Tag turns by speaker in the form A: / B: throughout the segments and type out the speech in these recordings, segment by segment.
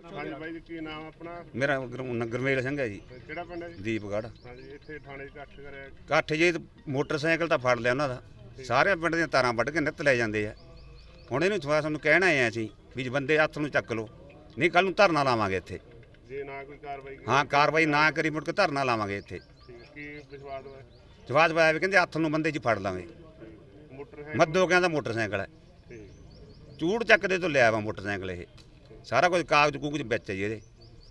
A: ਹਾਂਜੀ ਬਾਈ ਜੀ, ਕੀ ਨਾਮ ਆਪਣਾ?
B: ਮੇਰਾ ਗੁਰਮੇਲ ਸਿੰਘ ਹੈ ਜੀ।
A: ਕਿਹੜਾ ਪਿੰਡ ਹੈ ਜੀ?
B: ਦੀਪਗੜ੍ਹ।
A: ਹਾਂਜੀ, ਇੱਥੇ ਥਾਣੇ 'ਚ ਇਕੱਠ ਕਰਿਆ।
B: ਇਕੱਠ ਜੀ ਮੋਟਰਸਾਈਕਲ ਤਾਂ ਫੜ ਲਿਆ ਉਹਨਾਂ ਦਾ, ਸਾਰੇ ਪਿੰਡ ਦੀਆਂ ਤਾਰਾਂ ਵੱਢ ਕੇ ਨਿੱਤ ਲੈ ਜਾਂਦੇ ਆ। ਹੁਣ ਇਹਨੂੰ ਤੁਹਾਨੂੰ ਕਹਿਣਾ ਆਏ ਅਸੀਂ ਵੀ ਬੰਦੇ ਹੱਥ ਨੂੰ ਚੱਕ ਲਓ, ਨਹੀਂ ਕੱਲ ਨੂੰ ਧਰਨਾ ਲਾਵਾਂਗੇ ਇੱਥੇ।
A: ਜੇ ਨਾ ਕੋਈ ਕਾਰਵਾਈ
B: ਹਾਂ, ਕਾਰਵਾਈ ਨਾ ਕਰੀ ਮੁੜ ਕੇ ਧਰਨਾ ਲਾਵਾਂਗੇ ਇੱਥੇ।
A: ਕੀ ਵਿਸ਼ਵਾਸ ਹੋਇਆ?
B: ਜਵਾਬ ਪਾਇਆ ਵੀ ਕਹਿੰਦੇ ਹੱਥ ਨੂੰ ਬੰਦੇ 'ਚ ਫੜ ਲਾਂਗੇ। ਮੱਦੋ ਕਹਿੰਦਾ ਮੋਟਰਸਾਈਕਲ ਹੈ, ਚੂੜ ਚੱਕਦੇ ਤੋਂ ਲਿਆ ਵਾ ਮੋਟਰਸਾਈਕਲ। ਇਹ ਸਾਰਾ ਕੁਝ ਕਾਗਜ਼ ਕੂਗਜ਼ ਵਿੱਚ ਹੈ ਜੀ ਇਹਦੇ।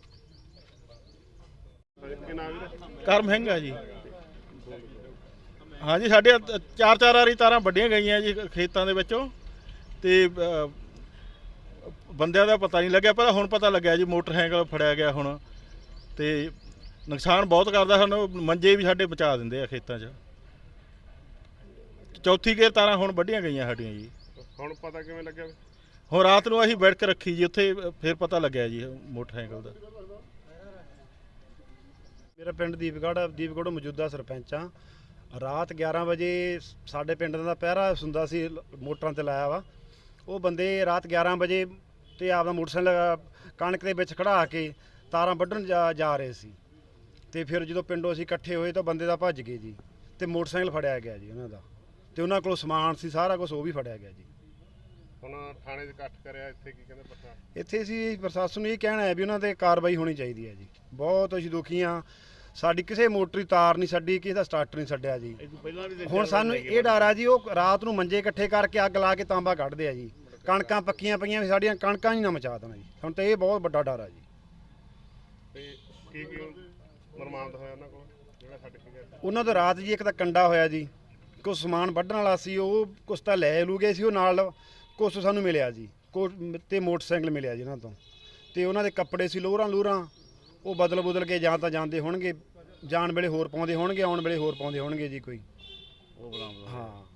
C: ਕਰਮ ਸਿੰਘ ਆ ਜੀ। ਹਾਂਜੀ, ਸਾਡੇ ਚਾਰ ਵਾਰੀ ਤਾਰਾਂ ਵੱਢੀਆਂ ਗਈਆਂ ਜੀ ਖੇਤਾਂ ਦੇ ਵਿੱਚੋਂ, ਤੇ ਬੰਦਿਆਂ ਦਾ ਪਤਾ ਨਹੀਂ ਲੱਗਿਆ, ਪਰ ਹੁਣ ਪਤਾ ਲੱਗਿਆ ਜੀ ਮੋਟਰਸਾਈਕਲ ਫੜਿਆ ਗਿਆ ਹੁਣ। ਤੇ ਨੁਕਸਾਨ ਬਹੁਤ ਕਰਦਾ ਸਾਨੂੰ, ਮੰਜੇ ਵੀ ਸਾਡੇ ਬਚਾ ਦਿੰਦੇ ਆ ਖੇਤਾਂ 'ਚ। ਚੌਥੀ ਗੇਰ ਤਾਰਾਂ ਹੁਣ ਵੱਢੀਆਂ ਗਈਆਂ ਸਾਡੀਆਂ ਜੀ।
A: ਹੁਣ ਪਤਾ ਕਿਵੇਂ ਲੱਗਿਆ?
C: ਹੁਣ ਰਾਤ ਨੂੰ ਅਸੀਂ ਬੈਠ ਕੇ ਰੱਖੀ ਜੀ ਉੱਥੇ, ਫਿਰ ਪਤਾ ਲੱਗਿਆ ਜੀ ਮੋਟਰਸਾਈਕਲ ਦਾ।
D: ਮੇਰਾ ਪਿੰਡ ਦੀਪਗੜ੍ਹ ਮੌਜੂਦਾ ਸਰਪੰਚ ਆ। ਰਾਤ 11 ਵਜੇ ਸਾਡੇ ਪਿੰਡ ਦਾ ਪਹਿਰਾ ਹੁੰਦਾ ਸੀ, ਮੋਟਰਾਂ ਤੇ ਲਾਇਆ ਵਾ। ਉਹ ਬੰਦੇ ਰਾਤ 11 ਵਜੇ ਤੇ ਆਪਦਾ ਮੋਟਰਸਾਈਕਲ ਕਣਕ ਦੇ ਵਿੱਚ ਖੜਾ ਕੇ ਤਾਰਾਂ ਵੱਢਣ ਜਾ ਰਹੇ ਸੀ। ਤੇ ਫਿਰ ਜਦੋਂ ਪਿੰਡੋਂ ਅਸੀਂ ਇਕੱਠੇ ਹੋਏ ਤਾਂ ਬੰਦੇ ਦਾ ਭੱਜ ਗਏ ਜੀ, ਤੇ ਮੋਟਰਸਾਈਕਲ ਫੜਿਆ ਗਿਆ ਜੀ ਉਹਨਾਂ ਦਾ, ਤੇ ਉਹਨਾਂ ਕੋਲ ਸਮਾਨ ਸੀ ਸਾਰਾ ਕੁਝ, ਉਹ ਵੀ ਫੜਿਆ ਗਿਆ ਜੀ।
A: ਹੁਣ ਥਾਣੇ 'ਚ ਇਕੱਠ ਕਰਿਆ, ਇੱਥੇ ਕੀ ਕਹਿੰਦੇ ਪ੍ਰਸ਼ਾਸਨ?
D: ਇੱਥੇ ਅਸੀਂ ਪ੍ਰਸ਼ਾਸਨ ਨੂੰ ਇਹ ਕਹਿਣਾ ਹੈ ਵੀ ਉਹਨਾਂ 'ਤੇ ਕਾਰਵਾਈ ਹੋਣੀ ਚਾਹੀਦੀ ਹੈ ਜੀ। ਬਹੁਤ ਅਸੀਂ ਦੁਖੀ ਹਾਂ, ਸਾਡੀ ਕਿਸੇ ਮੋਟਰ ਦੀ ਤਾਰ ਨਹੀਂ ਛੱਡੀ, ਕਿਸੇ ਦਾ ਸਟਾਰਟਰ ਨਹੀਂ ਛੱਡਿਆ ਜੀ। ਹੁਣ ਸਾਨੂੰ ਇਹ ਡਰ ਆ ਜੀ, ਉਹ ਰਾਤ ਨੂੰ ਮੰਜੇ ਇਕੱਠੇ ਕਰਕੇ ਅੱਗ ਲਾ ਕੇ ਤਾਂਬਾ ਕੱਢਦੇ ਆ ਜੀ। ਕਣਕਾਂ ਪੱਕੀਆਂ ਪਈਆਂ, ਸਾਡੀਆਂ ਕਣਕਾਂ ਹੀ ਨਾ ਮਚਾ ਦੇਣਾ ਜੀ। ਹੁਣ ਤਾਂ ਇਹ ਬਹੁਤ ਵੱਡਾ ਡਰ ਆ ਜੀ।
A: ਤੇ ਕੀ ਬਰਾਮਦ ਹੋਇਆ ਉਹਨਾਂ ਕੋਲ ਜਿਹੜਾ ਛੱਡ ਕੇ ਗਿਆ?
D: ਉਹਨਾਂ ਤੋਂ ਰਾਤ ਜੀ ਇੱਕ ਤਾਂ ਕੰਡਾ ਹੋਇਆ ਜੀ, ਕੁਛ ਸਮਾਨ ਵੱਢਣ ਵਾਲਾ ਸੀ, ਉਹ ਕੁਛ ਤਾਂ ਲੈ ਲੂ ਗਏ ਸੀ ਉਹ ਨਾਲ, ਕੁਛ ਸਾਨੂੰ ਮਿਲਿਆ ਜੀ, ਤੇ ਮੋਟਰਸਾਈਕਲ ਮਿਲਿਆ ਜੀ ਉਹਨਾਂ ਤੋਂ। ਤੇ ਉਹਨਾਂ ਦੇ ਕੱਪੜੇ ਸੀ ਲੋਰਾਂ, ਉਹ ਬਦਲ ਕੇ ਜਾਂ ਤਾਂ ਜਾਂਦੇ ਹੋਣਗੇ, ਜਾਣ ਵੇਲੇ ਹੋਰ ਪਾਉਂਦੇ ਹੋਣਗੇ, ਆਉਣ ਵੇਲੇ ਹੋਰ ਪਾਉਂਦੇ ਹੋਣਗੇ ਜੀ ਕੋਈ। ਉਹ ਬਰਾਮਦ ਹਾਂ।